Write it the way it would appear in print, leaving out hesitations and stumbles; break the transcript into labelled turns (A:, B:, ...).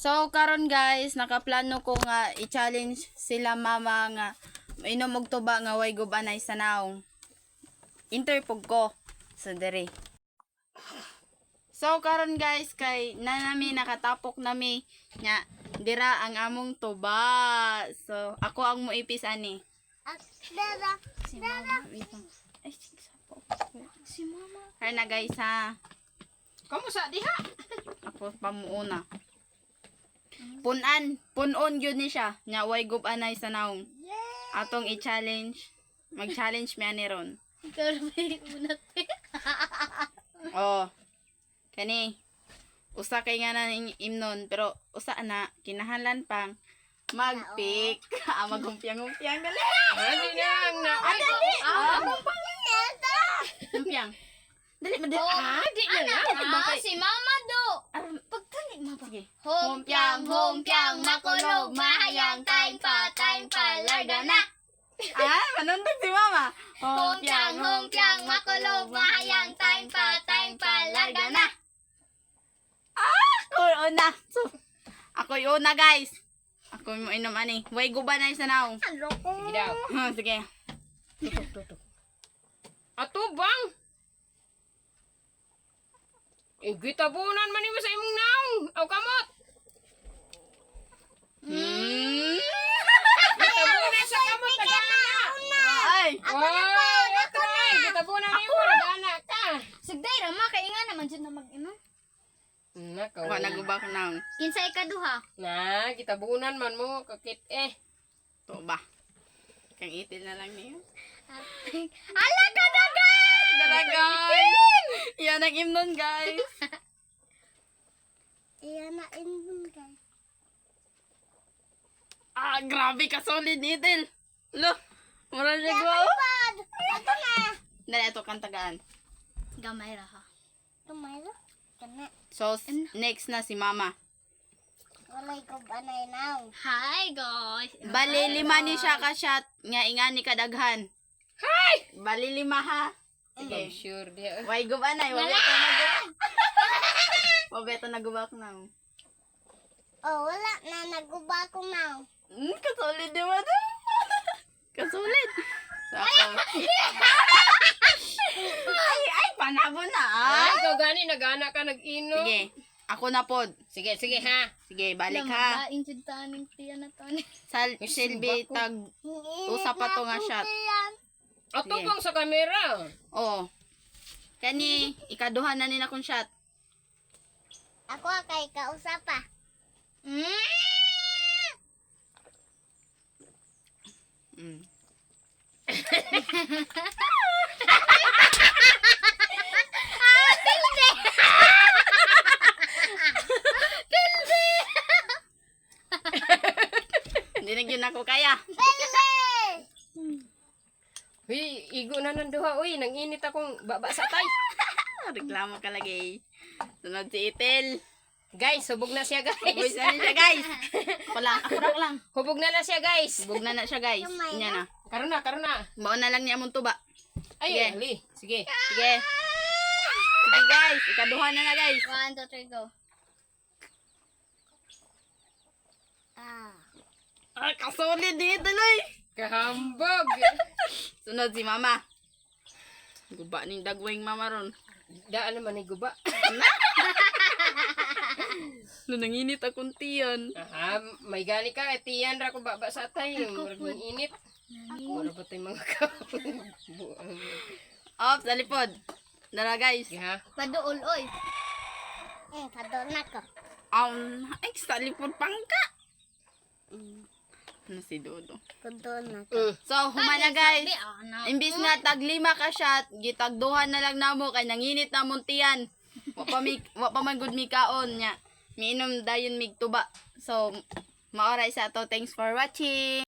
A: So karon guys, nakaplano ko nga i-challenge sila mama nga inom og tuba nga way gubanay sa naong. Interpog ko sa dere. So karon guys, kay nami nakatapok nami nya dira ang among tuba. So ako ang muipis ani.
B: Dara.
A: Si mama. Ay, si mama. Hay na guys ha.
C: Kamusta diha?
A: Ako pamuuna. Punon yun ni siya. Nya way gubanay sa naong. Atong i-challenge. Mag-challenge mi ani ron.
B: Ikaw may unat.
A: Oh. Kani. Usa kay nga na imnon pero usa na kinahanglan pang mag-pick. Magumpiang-umpiang dali.
C: Hindi na na.
A: Dali. Umpiang. Dali madali.
C: Di na na.
B: Si Mama Do.
A: Pagtali mo sige.
B: Humpiang, makulog, mahayang, time pa, larga na.
A: Manundag si mama.
B: Humpiang, makulog, mahayang, time pa, larga na.
A: Ako una. So, ako yung una guys. Ako yung inom ani. Way gubanay sa naong.
C: Sige daw.
A: Sige.
C: Ato bang? Gitabunan man nimo sa imong naong. Aw kamot. Gitabunan sa kamot nagana.
A: Ay.
C: Oy, atray. Gitabunan nimo nagana ka.
B: Sigday rama kay nga naman jud na mag-inom.
C: Nakaw.
A: Ako nagubak naong.
B: Kinsa ikaduha?
C: Na, gitabunan man mo kakit
A: To ba? Kang itil na lang niyo.
B: Ala ka dagan!
A: Tara guys. Yan ang imnon guys.
B: Iyan na inom guys.
A: Grabe ka solid itil. Lo. Mura siya go.
B: Ato na.
A: Dali ito kang tagaan.
B: Gamay ra ha. Gamay ra? Kana.
A: So, next na si mama.
B: Walay ko banay now. Hi guys.
A: Bali lima ni siya ka shot. Nga ingani kadaghan.
C: Hi!
A: Bali lima ha.
C: Okay,
A: Sige.
C: sure dia.
A: Way gubanay. Wabeto nagubak. Wabeto nagubak na.
B: Oh, wala na naguba ko now.
A: Kasolid naman. Kasolid. So ako. Ay, panabo na
C: Ay, ikaw gani nagana ka nag-inom.
A: Sige. Ako na pod.
C: Sige, sige ha.
A: Sige, balik ha.
B: Injud taning tiya na tani.
A: Silbi tag usa pa to nga shot.
C: Ato
A: Sige.
C: bang sa kamera.
A: Oo. Kani ikaduhan na nila kong shot.
B: Ako kay kausap pa.
A: Mm. Hindi na yun ako kaya.
C: Uy, igo na ng duha. Uy, nang init akong baba sa tay.
A: Reklamo ka lagi. Sunod si Itel.
C: Guys, hubog na siya
A: Uy,
C: guys.
A: saan siya guys? Ako lang.
C: Hubog na siya guys.
A: Bug na siya guys. Inya na.
C: Karon na, karon na.
A: Baon na lang niya mong tuba.
C: Ay,
A: Sige.
C: ali. Sige.
A: Sige. Sige guys, ikaduhan na guys.
B: 1, 2, 3 go.
A: Kasolid dito loy.
C: Kahambog.
A: Sunod si mama. Guba ning dagwing mama ron.
C: Daan naman ni guba.
A: Nanginit akong tiyan.
C: Aha, may gani ka. Tiyan ra ko baba sa tay. Murag ng init. Wala ba tayong mga kaon?
A: Off, sa lipod. Dara guys.
C: Sige ha.
B: Paduol oy. Paduol na ko.
A: Ay, sa lipod pangka. Ano si Dodo?
B: Paduol na ko.
A: So, humana guys. Imbis nga tag 5 ka shot, gitagduhan na lang namo kay nanginit na mong tiyan. Wa pa man gud mi kaon nya. Miinom dayon mig tuba. So, maoray sa to. Thanks for watching.